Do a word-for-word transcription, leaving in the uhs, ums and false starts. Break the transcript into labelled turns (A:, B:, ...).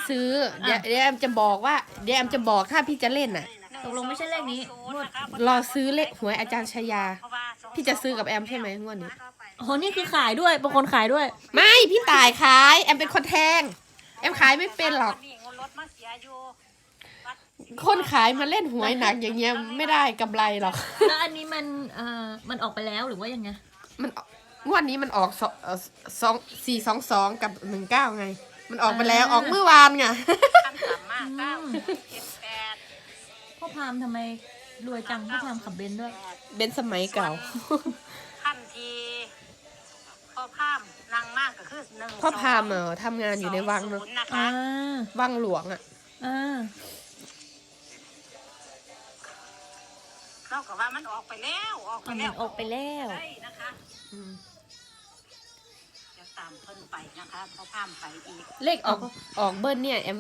A: ซื้อเดี๋ยวเดี๋ยวแอมจะบอกว่าเดี๋ยวแอมจะบอกถ้าพี่จะเล่นน่ะ
B: ตกลงไม่ใช่เลขนี้งวด
A: รอซื้อเลขหวยอาจารย์ชายาพี่จะซื้อกับแอมใช่ไหมงวดนี้
B: โอ้โหนี่คือขายด้วยบางคนขายด้วย
A: ไม่พี่ตายขายแอมเป็นคนแทงแอมขายไม่เป็นหรอกคนขายมาเล่นหวยหนักอย่างเงี้ยไม่ได้กำไรหรอก
B: แล้วอันนี้มันเอ่อมันออกไปแล้วหรือว่ายังไง
A: มันงวดนี้มันออกสองเอ่อสองสี่สองสองกับหนึ่งเก้าไง มันออกไปแล้วออกเมื่อวานไง
B: พ่อพามทำไมรวยจังพ่อพามขับเบนซ์ด้วย
A: เบนซ์สมัยเก่า
C: ขั้นทีพ่อพามนางมากก็คือหนึ่ง
A: พ่อพามเออทำงานอยู่ในวังเนอะ
C: นะคะ
B: อ่า
A: วังหลวงอ่ะ
B: อ่า
C: เราก็ว่ามันออกไปแล้วออกไป
B: อ่ะ
C: แล้
B: มั
C: วน
B: ออกไปแล้ว
C: ใช่นะคะจะตามเพิ่นไปนะคะพ่อพามไปอีก
A: เลขออกออกเบิ้ลเนี่ยแอม